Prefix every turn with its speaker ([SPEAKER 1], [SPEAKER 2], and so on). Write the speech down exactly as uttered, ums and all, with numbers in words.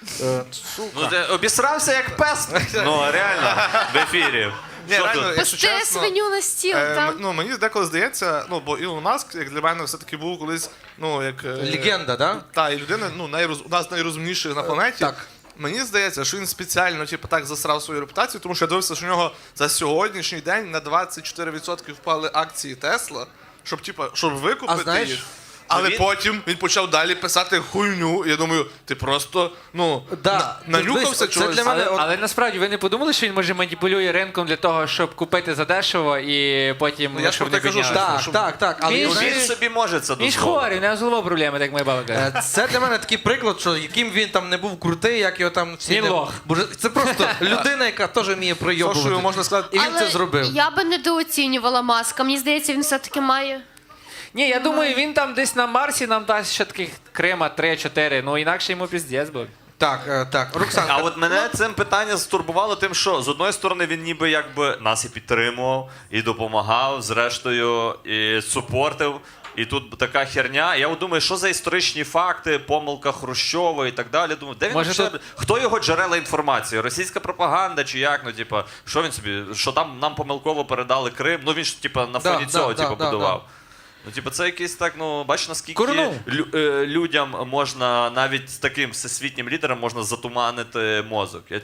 [SPEAKER 1] Е,
[SPEAKER 2] Ну, ти обісрався як пес. Ну, реально, в ефірі.
[SPEAKER 1] Ні,
[SPEAKER 2] Що
[SPEAKER 1] реально,
[SPEAKER 2] тут?
[SPEAKER 1] якщо
[SPEAKER 3] Пусти
[SPEAKER 1] чесно,
[SPEAKER 3] свиню на стіл,
[SPEAKER 1] е,
[SPEAKER 3] там.
[SPEAKER 1] м- ну, мені деколи здається, ну, бо Ілон Маск, як для мене, все-таки був колись, ну, як... е,
[SPEAKER 4] Легенда, да?
[SPEAKER 1] Та, і людина, ну, найроз... одна з найрозумніших на планеті.
[SPEAKER 4] так.
[SPEAKER 1] Мені здається, що він спеціально типу, так засрав свою репутацію, тому що я дивився, що у нього за сьогоднішній день на двадцять чотири відсотки впали акції Тесла, щоб, типу, щоб викупити
[SPEAKER 4] А знаєш,
[SPEAKER 1] їх. Але
[SPEAKER 2] він-
[SPEAKER 1] потім він почав далі писати хуйню. Я думаю, ти просто ну,
[SPEAKER 4] Да.
[SPEAKER 1] на- нанюхався
[SPEAKER 4] Це
[SPEAKER 1] чогось.
[SPEAKER 4] для мене-
[SPEAKER 5] Але,
[SPEAKER 4] от-
[SPEAKER 5] але насправді ви не подумали, що він може маніпулює ринком для того, щоб купити задешево і потім
[SPEAKER 1] Ну, я ж
[SPEAKER 5] щоб
[SPEAKER 1] про
[SPEAKER 5] не
[SPEAKER 1] те кажу,
[SPEAKER 5] підняти?
[SPEAKER 1] що-
[SPEAKER 4] Так, так, так. Але
[SPEAKER 5] Він
[SPEAKER 2] Ну,
[SPEAKER 5] ж-
[SPEAKER 2] він
[SPEAKER 4] знаєш,
[SPEAKER 2] собі може це
[SPEAKER 5] Він ж
[SPEAKER 2] дозволити.
[SPEAKER 5] хворий, у нього з головою проблеми, так моя баба каже.
[SPEAKER 4] е, це для мене такий приклад, що яким він там не був крутий, як його там всі
[SPEAKER 5] Він
[SPEAKER 4] не...
[SPEAKER 5] лох.
[SPEAKER 4] Боже, це просто людина, яка теж вміє пройобувати.
[SPEAKER 1] Сошою можна сказати,
[SPEAKER 4] І він
[SPEAKER 3] Але
[SPEAKER 4] це зробив.
[SPEAKER 3] я би недооцінювала Маска. Мені здається, він все-таки має.
[SPEAKER 5] Ні, я думаю, він там десь на Марсі нам дасть ще таких Крима три-чотири, ну інакше йому піздець буде.
[SPEAKER 4] Так, е, так. Роксанка,
[SPEAKER 2] А от мене цим питання стурбувало тим, що з одної сторони він ніби якби нас і підтримував, і допомагав, зрештою, і супортив. І тут така херня. Я от думаю, що за історичні факти, помилка Хрущова і так далі. Думаю, де він
[SPEAKER 5] Може,
[SPEAKER 2] вообще-
[SPEAKER 5] тут-
[SPEAKER 2] хто його джерела інформації? Російська пропаганда чи як? Ну, типа, що він собі, що там нам помилково передали Крим? Ну він ж типа на
[SPEAKER 4] Да,
[SPEAKER 2] фоні
[SPEAKER 4] да,
[SPEAKER 2] цього
[SPEAKER 4] да,
[SPEAKER 2] типу,
[SPEAKER 4] да,
[SPEAKER 2] будував. Ну, типу, це якийсь так, ну, бачиш, наскільки
[SPEAKER 5] Курнув.
[SPEAKER 2] лю- е, людям можна, навіть з таким всесвітнім лідером можна затуманити мозок. Я